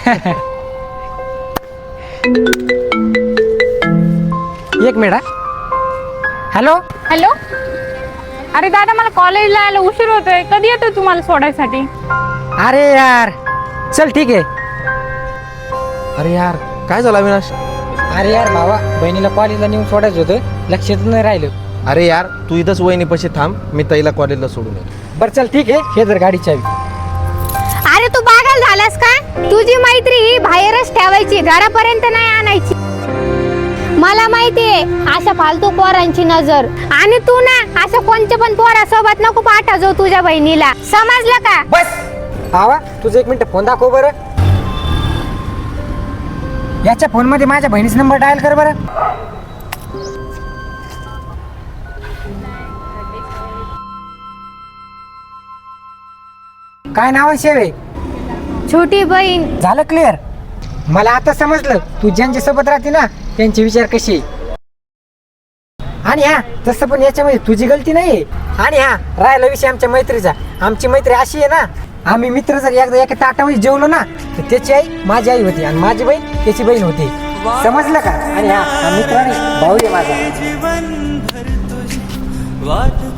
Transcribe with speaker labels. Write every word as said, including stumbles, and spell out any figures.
Speaker 1: एक minute. Hello
Speaker 2: hello. अरे दादा, मला कॉलेजला यायला उशीर होतोय. कधी येतोय तुम्हाला सोडायसाठी?
Speaker 1: अरे यार, चल ठीक आहे.
Speaker 3: अरे यार, काय झालं अविनाश?
Speaker 1: अरे यार भावा, बहिणीला कॉलेजला नेऊन सोडायचं होतं, लक्षात नाही राहिलं.
Speaker 3: अरे यार, तू इथंच वहिनीपाशी थांब, मी ताईला कॉलेजला सोडून येतो.
Speaker 1: बरं चल ठीक आहे, हे जर गाडी चावी.
Speaker 4: अरे तू पागल झालास का? तुझी मैत्री ही बाहेरच ठेवायची, घरापर्यंत नाही आणायची. मला माहितीये अशा फालतू पोरांची नजर, आणि तू ना अशा कोणत्या पण पोरासोबत नको पाठा जाऊ तुझ्या बहिणीला, समजलं का?
Speaker 1: बस भावा, तुझं एक मिनिट फोन दाखव बरं. याच्या फोन मध्ये माझ्या बहिणीचा नंबर डायल कर बरं. काय नाव आहे शेवे?
Speaker 4: छोटी बहीण.
Speaker 1: झालं क्लिअर. मला आता समजलं तू ज्यांच्या सोबत राहते ना त्यांचे विचार कसे. आणि हा, तसं पण याच्यामध्ये तुझी गलती नाहीये. आणि हा, राहिला विषय आमच्या मैत्रीचा. आमची मैत्री अशी आहे ना, आम्ही मित्र जर एकदा एका ताटामध्ये जेवलो ना, तर त्याची आई माझी आई होती आणि माझी बहीण त्याची बहीण होती. समजलं का? आणि हा, हा मित्र नाही, भाऊ आहे माझा.